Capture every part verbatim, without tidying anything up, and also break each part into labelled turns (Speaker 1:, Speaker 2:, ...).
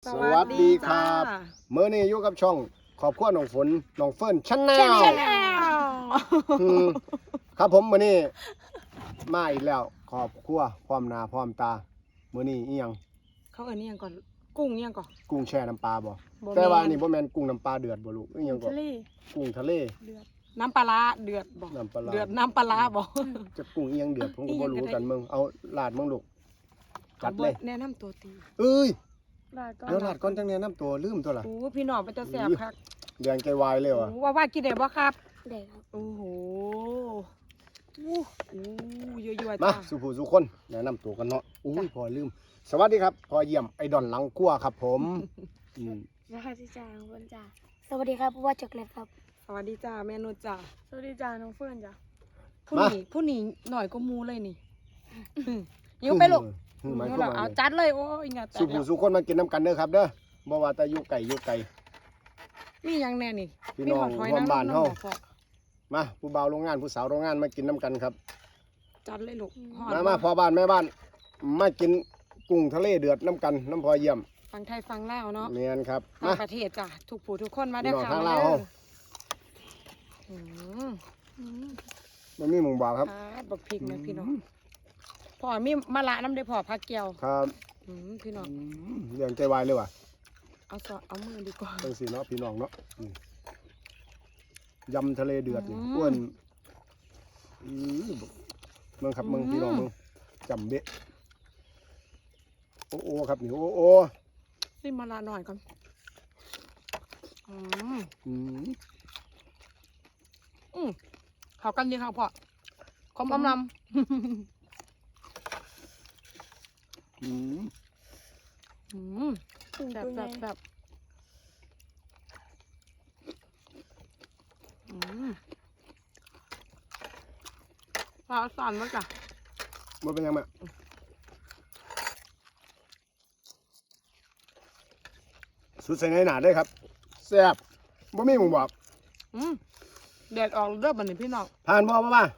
Speaker 1: สวัสดีครับเมื่อนี้อยู่กับช่องขอบคุณน้องฝนน้องเฟิร์นชั้นแนวครับผมมื่อนี้มาอีกแล้วขอบคุณพร้อมหน้าพร้อมตามื่อนี้อีหยัง
Speaker 2: เขาเอิ้นอีหยังก่อนกุ้งอีหยังก่อน
Speaker 1: กุ้งแช่น้ำปลาบ่แต่ว่านี่บ่แม่นกุ้งน้ำปลาเดือดบ่ลูกอีหยังก่อนกุ้งทะเล
Speaker 2: เดือดน้ำปลาร้าเดือดบ่
Speaker 1: น้ำปลาร้า
Speaker 2: เดือดน้ำปลาร้าบ่
Speaker 1: จะกุ้งอีหยังเดือดผมก็บ่รู้กันมึงเอาลาดมึงลูกจัดเลย
Speaker 2: แนะนำตัวตี
Speaker 1: เอ้ย
Speaker 2: ลาดก่อน
Speaker 1: เดี๋ยวลาดก่อนจังแนะนำตัวลืมตัวล่ะ
Speaker 2: โอ้พี่น้องมันจะแซ่บคัก
Speaker 1: แดงใจวายเลยว่ะ
Speaker 2: ว่าว่ากินได้บ่ครับ
Speaker 3: ได้ครับ
Speaker 2: โอ้โหอู้อู้ยั่วๆ
Speaker 1: มา
Speaker 2: จ้า
Speaker 1: สุผู้สุคนแนะนำตัวกันเนาะอุ้ยพอลืมสวัสดีครับพอเยี่ยมไอดอนหลังกั้วครับผมอืม
Speaker 3: สวัสดีจ้าน้องเฟิร์นจ้าสวัสดีครับผู้ว่าจักรเล็กครับ
Speaker 2: สวัสดีจ้าแม่นุชจ้า
Speaker 3: สวัสดีจ้าน้องเฟิร์นจ้า
Speaker 2: ผู้นี้ผู้นี้หน่อยก็มูเลยนี่ยิ้วไปลูกยิ้วแล้วเอาจัดเลยโอ้ยงาแต่
Speaker 1: สุผู้สุคนมากินน้ำกันเด้อครับเด้อบ่ว่าแต่อยู่ไก่อยู่ไก่
Speaker 2: มียังแน่นี่
Speaker 1: พี่น้องร่วมบ้านเฮามาผู้บ่าวโรงงานผู้สาวโรงงานมากินน้ำกันครับ
Speaker 2: จัดเลยลูก
Speaker 1: มามาพ่อบ้านแม่บ้านมากินกุ้งทะเลเดือดน้ำกันน้ำพอเยี่ยม
Speaker 2: ฟังไทยฟังลาวเนาะ
Speaker 1: เนียนครับ
Speaker 2: มาประเทศจ้ะทุกผู้ทุกคนมาได้ข่าว
Speaker 1: มาเด้อ
Speaker 2: อืม
Speaker 1: มันมีหมูบาครับ
Speaker 2: บักพริกนะพี่น้องพ่อมีมะละน้ำได้พ่อผักเกียว
Speaker 1: ครับ
Speaker 2: พี่น้อง
Speaker 1: เรื่องใจวายเลยว่ะ
Speaker 2: เอาซอเอามือดีกว่า
Speaker 1: จังสิเนาะพี่น้องเนาะยำทะเลเดือดนี่อ้วนเมืองครับเมืองพี่น้องเมืองจำเบะโอ้โอครับนี่โอ้โอ
Speaker 2: ซิมะละหน่อยก่อนอืมอืมอืมเข้ากันดีครับพ่อคอมอมลำอืมอืมแบบแบบแบบอืมปลาสั่นมากจ้ะ
Speaker 1: มันเป็นยังไงสุดใส่ในหนาได้ครับแซ่บบ่มีหมูบอก
Speaker 2: อืมแดดออกเริ่มบันนี้พี่น้อง
Speaker 1: ผ่านบ่ป่ะป่ะ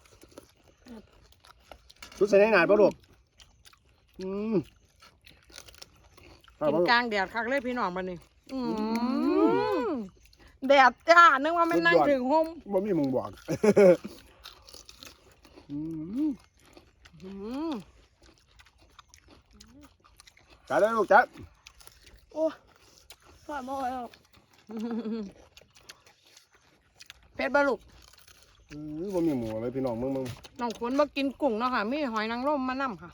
Speaker 1: สุดใส่ในหนาบ่ลูกอืม
Speaker 2: กินกลางแดดคักเลยพี่น้องบันนี้อืมแดดจ้านึกว่าไม่นั่งถึงห่ม
Speaker 1: บ่มีหมูบอกอืมอืมจัดเลยลูกจัด
Speaker 3: โอ้ผ่านมาแล้ว
Speaker 2: เพชรบาลูก
Speaker 1: อือบ่มีหมูเลยพี่น้องมึงมึง
Speaker 2: น้องคนมากินกุ้งเนาะค่ะมีหอยนางรมมานั่มค่ะ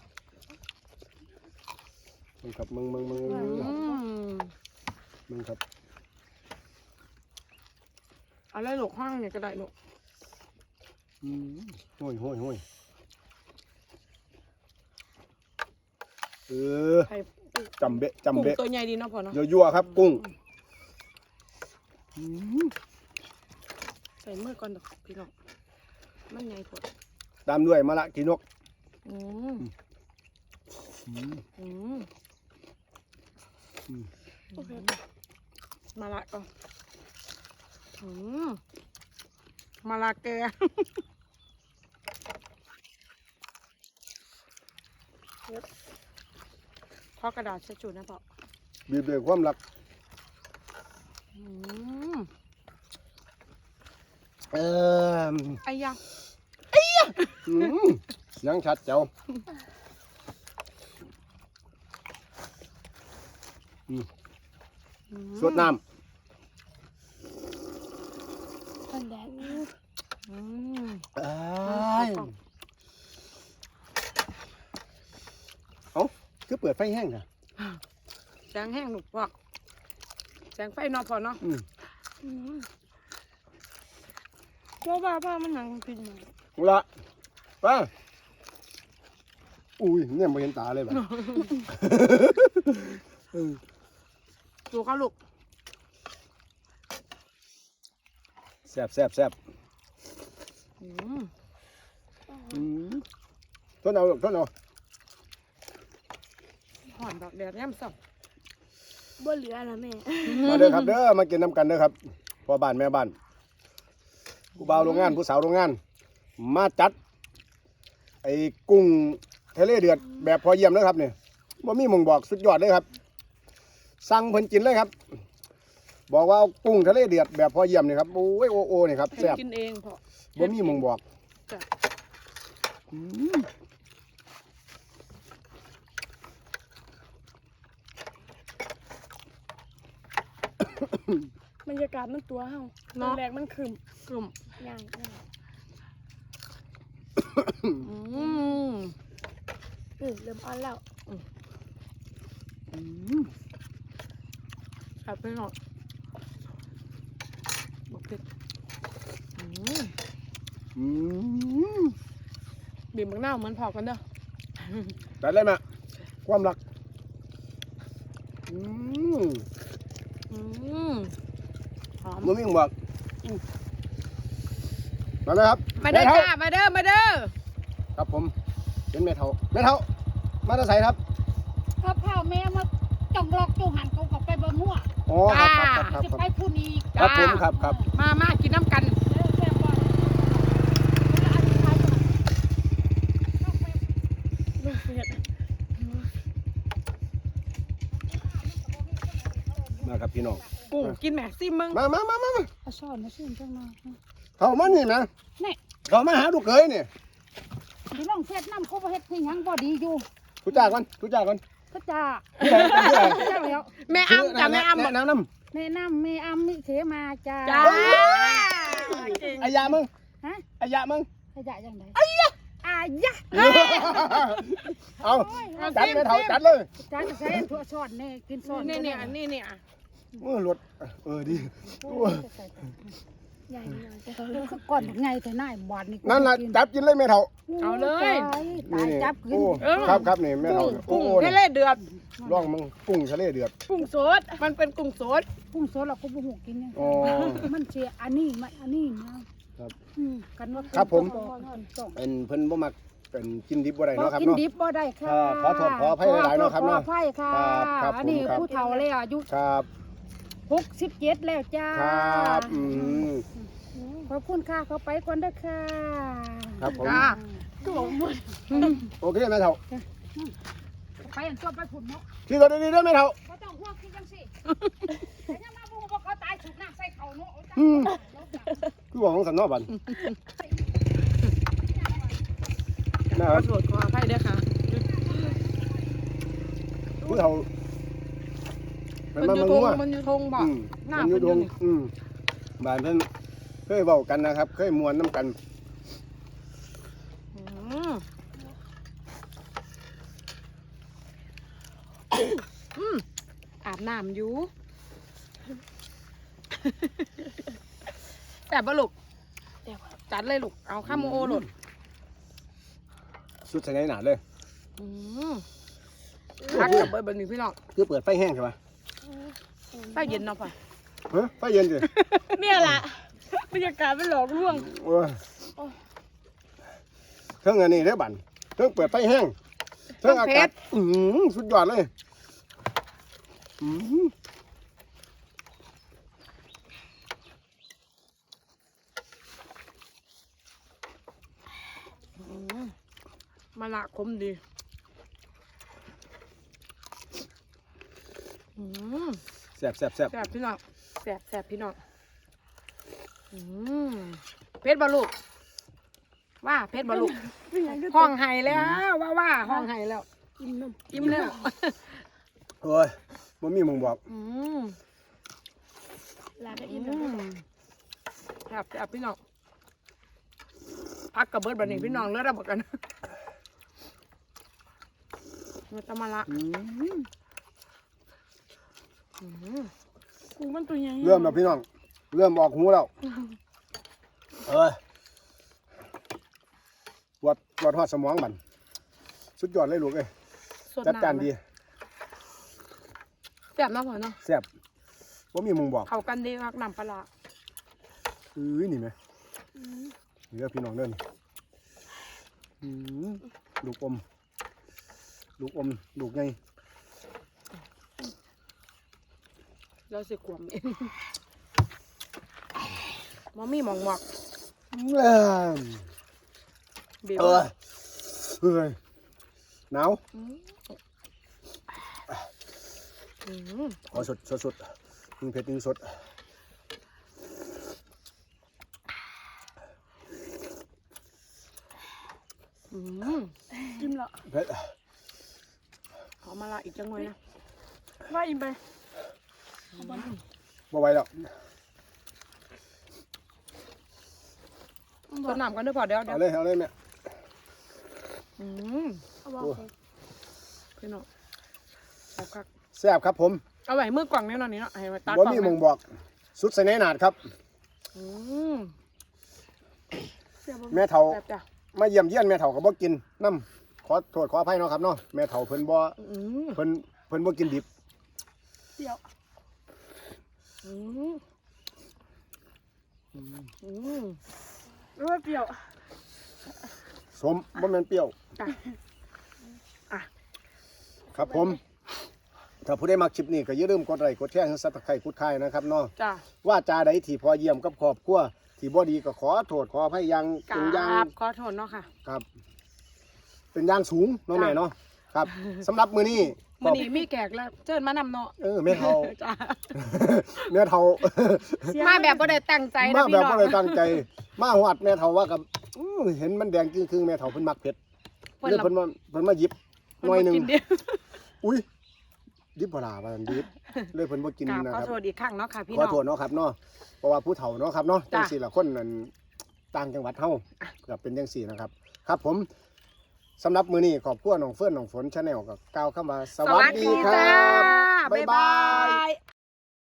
Speaker 1: มึงครับมึงมึงมึงมึงครับ
Speaker 2: อะไรลูกห้างเนี่ยก็ได้ลูก
Speaker 1: อืมห้อยห้อยห้อยเออจำเบะจำเบะ
Speaker 2: ตัวใหญ่ดีเนาะพ่อเนาะ
Speaker 1: ยั่วๆครับกุ้ง
Speaker 2: ใส่มือก่อนดอกพี่น้องมันใหญ่พอ
Speaker 1: ตามด้วยมะละกีนก
Speaker 2: อืมอืมอืมมะละก่อนอืมมะละแกพอกระดาษเช็ดจุดนะพ่อ
Speaker 1: บีบเบรกความรักเออ
Speaker 2: ไอ้ยัง
Speaker 1: ไอ้ยังเสียงชัดเจ้าสวดน้ำ
Speaker 3: คนแดง
Speaker 1: เอ้าคือเปิดไฟแห้งค่ะ
Speaker 2: แสงแห้งหนุกพอแสงไฟนอนพอเนาะ
Speaker 3: เพราะว่าผ้ามันหนังพิน
Speaker 1: ละป้าอุ้ยเนี่ยไม่เห็นตาเลยแบบ
Speaker 2: ดูเขาลูก
Speaker 1: แซ่บแซ่บแซ่บทนเอาทนเอา
Speaker 2: หอนดอกแดดย่ำสับ
Speaker 3: บ่เหลือแล้วแม่
Speaker 1: มาเด้อครับเด้อมากินน้ำกันเด้อครับพ่อบ้านแม่บ้านผู้บ่าวโรงงานผู้สาวโรงงานมาจัดไอ้กุ้งทะเลเดือดแบบพอเยี่ยมเลยครับเนี่ยบ่มีหม่งบอกสุดยอดเลยครับสั่งเพิ่นกินเลยครับ บอกว่าเอากุ้งทะเลเดือดแบบพอเยี่ยมนี่ครับโอ้ยโอโอนี่ครับ
Speaker 2: ให้
Speaker 1: แซ่บ
Speaker 2: กินเองพอ
Speaker 1: บ่มีหมองบอก
Speaker 2: จ้ะ
Speaker 1: อืม
Speaker 3: บรรยากาศมันตัวเฮาตอน
Speaker 2: เนาะ
Speaker 3: แรกมันขึ้น
Speaker 2: กลุ่ม
Speaker 3: ย่างย่าง
Speaker 2: อืม
Speaker 3: เออเริ่มอ่อนแล้ว
Speaker 1: อืม
Speaker 2: ครับพี่น้องบอกเผ็ดอืม
Speaker 1: อืม
Speaker 2: บีบมะนาวเหมือนพอกันเด้อ
Speaker 1: แต่เลยแม่ความรักอืม
Speaker 2: อืมหอม
Speaker 1: บ่มีหมองบอกอืมมาไหมครับ
Speaker 2: มาเด้อ
Speaker 1: แท่
Speaker 2: จ้ามาเด้อมาเด้อ
Speaker 1: ครับผมเป็นแม่เฒ่าแม่เฒ่ามาแตะไสครับ
Speaker 4: ข้าวเผาแม่มาจองลอกจูหันเขาก็ไปบ่มั่ว
Speaker 1: อ๋อครับครับครับ
Speaker 4: สิ
Speaker 1: ครับ
Speaker 4: ไปพูดอีก
Speaker 1: ครับผมครับครับ
Speaker 2: มามากินน้ำกัน
Speaker 4: เด้อแซ่บบ่แล้วอธิบายก่อนนอกไป
Speaker 2: ลูกเผ็ด
Speaker 1: มาครับพี่น้อง
Speaker 2: กุ้งกินแหมซิมมึง
Speaker 1: มามามามามา
Speaker 4: เอาช้อนมาชิมจังมา
Speaker 1: เข้ามานี่นะ
Speaker 4: นี่
Speaker 1: เข้ามาหาลูกเขยนี่
Speaker 4: ที่ลองเฮ็ดน้ำเขาบ่เฮ็ดให้หยังบ่ดีอยู่
Speaker 1: ทุจ้าก่อนทุจ้าก่อน
Speaker 4: ก็จ้า
Speaker 1: ผู้ใดผู้ใด
Speaker 4: จ้าแล้ว
Speaker 2: แม่อ้ำจ้ะแม่อ้ำบอก
Speaker 1: แนะนำน้
Speaker 4: แม่น้ำแม่อ้ำมิเขมาจ้า
Speaker 2: จ้าเก่ง
Speaker 1: ำอายามึง
Speaker 4: ฮะ
Speaker 1: อายามึง
Speaker 4: ขยะจังไดอายะอายะ
Speaker 1: เอาจัดแม่เฒ่าจัดเลย
Speaker 4: จ้าจะใช้ถั่วช้อนแน่กินช้อน
Speaker 2: นี่เนี่ยนี่เนี่ย
Speaker 1: เออรถเออดี
Speaker 3: ใหญ่หน่อยจะ
Speaker 4: คือก่อนไงแต่หน้าบาดนี่
Speaker 1: นั่นล่ะจับกินเลยแม่เฒ่า
Speaker 2: เอาเลย
Speaker 4: ตายตายจับขึ้น
Speaker 1: โอ้ครับครับนี่แม่เฒ่าโอ้
Speaker 2: กุ้ง
Speaker 1: โห
Speaker 2: ทะเลเดือด
Speaker 1: ร่องมึงกุ้งทะเลเดือด
Speaker 2: กุ้งสดมันเป็นกุ้งสด
Speaker 4: กุ้งสดเราก็บ่ฮู้กินเนี่ย
Speaker 1: อ๋อ
Speaker 4: มันเสียอันนี้มันอันนี้นะครับ อืมกันว่า
Speaker 1: ครับผม
Speaker 4: ต้อง
Speaker 1: เป็นเพิ่นบ่มักเป็นกินดิบบ่ได้
Speaker 4: บ่
Speaker 1: เนาะครับ
Speaker 4: กิน
Speaker 1: เนาะ
Speaker 4: ดิบบ่ได้ค่ะ
Speaker 1: ครับขอโทษขออภัยหลายๆเนาะครับเนาะ
Speaker 4: ขออภัยค่ะ
Speaker 1: ครับครับ
Speaker 4: อันนี้
Speaker 1: ผมครับ
Speaker 4: ผู้เฒ่าแล้วอายุ
Speaker 1: ครับ
Speaker 4: หกสิบเจ็ดแล้วจ้า
Speaker 1: ครับอืม
Speaker 4: ขอบคุณค่ะเขาไปก่อนเด้อค่ะ
Speaker 1: ครับผม
Speaker 2: จ้า
Speaker 4: ก็บอกหมด
Speaker 1: โอเคแม่เฒ่า
Speaker 4: ไปอันตัวไปผุนเนาะ
Speaker 1: ขี่รถดีๆเด้อแม่เฒ่า
Speaker 4: บ่ต้องห่วงคิดจังซี่แต่ยังมาบ่ว่าเขาตายสุดน้ำใส่เขาเนาะโอ้ยจ้า
Speaker 1: อืมคือบอกของสันเนอกบันนะ
Speaker 2: ข
Speaker 1: ค
Speaker 2: อ
Speaker 1: รับ
Speaker 2: โทษขออภัยด้วยค่ะ
Speaker 1: ผู้เฒ่าเป็น
Speaker 2: มัน
Speaker 1: มา
Speaker 2: อยู่
Speaker 1: เมือง
Speaker 2: ทง
Speaker 1: งัว
Speaker 2: มันอยู่ทงบ่
Speaker 1: อืม
Speaker 2: หน้า
Speaker 1: มันอ
Speaker 2: เพิ่
Speaker 1: ยู่
Speaker 2: น
Speaker 1: ด
Speaker 2: อยู่
Speaker 1: ง
Speaker 2: นี่
Speaker 1: อืมบ้านเพิ่นเคยเว้ากันนะครับ เคยมวนน้ำกัน
Speaker 2: อืมอืมอาบน้ำอยู่แต่บลูกจัดเลยลูกเอาข้ามโอโหลด
Speaker 1: สุดใส่ในหนาเลย
Speaker 2: อืมพักกับเบิร์ดเบิร์ดนี่พี่น้อง
Speaker 1: คือเปิดไฟแห้งใช่ปะ
Speaker 2: ไฟเย็นเนาะป่ะ
Speaker 1: ฮะไฟเย็นสิ
Speaker 2: เนี่ยแหละบรรยากาศเป็นหลอกลวง
Speaker 1: โอ้ยเครื่องอันนี้เด้อบันเครื่องเปิดไฟแห้งเครื่องอากาศอือสุดยอดเลยอือ
Speaker 2: มาละคมดีอืม
Speaker 1: แซ่บแซ่บแซ่บ
Speaker 2: แสบพี่น้องแสบแสบพี่น้องอืมเพชรบอลูกว่าเพชรบอลูกห้องไห้แล้วว่าว่าห้องไห้แล้ว
Speaker 3: กินนม
Speaker 2: อิ่มแล้ว
Speaker 1: โอ้ยบ่มีหมองบอก
Speaker 2: อืม
Speaker 3: ลาก็
Speaker 2: อื
Speaker 3: อิ่มแล้ว
Speaker 2: มแสบแสบพี่น้องพักกับเบิร์ดบันนี้พี่น้องเลือดระเบิดกันมันจะมาละ
Speaker 1: อืม
Speaker 2: อืม
Speaker 3: กูมันตัวใหญ่
Speaker 1: เริ่มแล้วพี่น้อง เริ่มออกหูแล้วเอ้ยวัดวัดหอดสมองบันสุดยอดเลยลูกเอ้ย
Speaker 2: สด
Speaker 1: จัดการ
Speaker 2: น้ำ
Speaker 1: ดี
Speaker 2: แสบเนาะพ่อเนาะ
Speaker 1: แซ่บว่ามีหมองบอก
Speaker 2: เข้ากันดีครับน้ำปลาร้า
Speaker 1: เอ้ยนี่ไหมนี่เด้อพี่น้องเด้อนี่อืมลูกอม ลูกอม ลูกไง
Speaker 2: เราสิขวมเองมอมี่หมองหมอก
Speaker 1: เอ้ย
Speaker 2: เบียว
Speaker 1: เอ้ยเอ้ยหนาว
Speaker 2: อืมอืม
Speaker 1: ขอสดสดสดยิงเผ็ดยิงสด
Speaker 2: อืม
Speaker 4: อิ่มแล้ว
Speaker 1: เผ็ด
Speaker 2: ขอมาละอีกจังเลยนะ
Speaker 4: ว่าอิ่มไป
Speaker 1: บ่ไหวแล้ว
Speaker 2: ต้นน้ำกันด้วยพอเดี๋ยวเดี๋ย
Speaker 1: เอา
Speaker 2: ว
Speaker 1: เลยเอาเลยแม่
Speaker 2: อืม
Speaker 4: เอาบอก
Speaker 1: โอ้
Speaker 4: สิ
Speaker 2: พี่น้องเอาคัก
Speaker 1: แซ่บครับผม
Speaker 2: เอาไว้มือกล่องแน่นอนนี่เนาะให้มาตัด
Speaker 1: บ่
Speaker 2: กล่อง
Speaker 1: มีหมอง
Speaker 2: นะ
Speaker 1: บอกสุดใส่ในหนาดครับ
Speaker 2: อืม
Speaker 4: เสียบ
Speaker 1: แม่เฒ่า
Speaker 2: แบบจ้ะ
Speaker 1: มาเยี่ยมเยียนแม่เฒ่าก็บ่กินน้ำขอโทษขออภัยเนาะครับเนาะแม่เฒ่าเพิ่นบ่
Speaker 2: อืม
Speaker 1: เพิ่นเพิ่นบ่กินดิบ
Speaker 4: เดี๋ยว
Speaker 2: อืมอืม
Speaker 4: เลือดเปรี้ยว
Speaker 1: สมบ่แม่นเปรี้ยว
Speaker 2: จ้ะอ่ะ
Speaker 1: ครับผม ถ้าผู้ใดมักคลิปนี้ก็อย่าลืมกดไลค์กดแชร์ให้ซับสไครต์กดไข่นะครับเนาะ
Speaker 2: จ้ะ
Speaker 1: ว่าจาใดที่พอเยี่ยมกับครอบครัวที่บ่ดีก็ขอโทษขออภัยอยัง
Speaker 2: ก
Speaker 1: เป็นอ
Speaker 2: รา
Speaker 1: ย่าง
Speaker 2: บขอโทษเนาะค่ะ
Speaker 1: ครับ เป็นอย่างสูงเนาะ
Speaker 2: จ้ะ
Speaker 1: แม่เนาะครับสำหรับมื้อนี้
Speaker 2: มื้อนี้มีแขกแล้วเชิญมานำเนาะ
Speaker 1: เออแม่เฒ่า
Speaker 2: จ้ะ
Speaker 1: แม่เฒ่า
Speaker 2: มาแบบบ่ได้ตั้งใจ
Speaker 1: มา
Speaker 2: นะ
Speaker 1: แบ
Speaker 2: พี่
Speaker 1: บ
Speaker 2: น้อง
Speaker 1: บ่ได้ตั้งใจ มาฮอดแม่เฒ่าว่ากับอื้อเห็นมันแดงครึ่งๆแม่เฒ่าเพิ่นมักเผ็ด
Speaker 2: เพิ่น
Speaker 1: เลย
Speaker 2: ละ
Speaker 1: เพิ่นมาเพิ่นมาหยิบหน่อยหนึง
Speaker 2: เพิ่บ่กิเดียว
Speaker 1: อุ้ยดิบบ่ล่ะว่าซั่นดิบเลยเพิ่นบ่กิน
Speaker 2: กราบ
Speaker 1: นะ
Speaker 2: ขอ
Speaker 1: ครับ
Speaker 2: โทษอีกครั้งเนาะค่ะพี่
Speaker 1: ขอ
Speaker 2: น้อง
Speaker 1: โทษเนาะครับเนาะเพราะว่าผู้เฒ่าเนาะครับเนาะจั
Speaker 2: จ้ะ
Speaker 1: งสี่ละคนนั่นต่างจังหวัดเฮาก็เป็นจังสี่นะครับ ครับผมสำหรับมื้อนี้ขอบคุณน้องเฟิร์นน้องฝน Channel ก็กล่าวคำว่าสวัสดีครั
Speaker 2: จ้า
Speaker 1: บบ๊ายบาย
Speaker 2: ย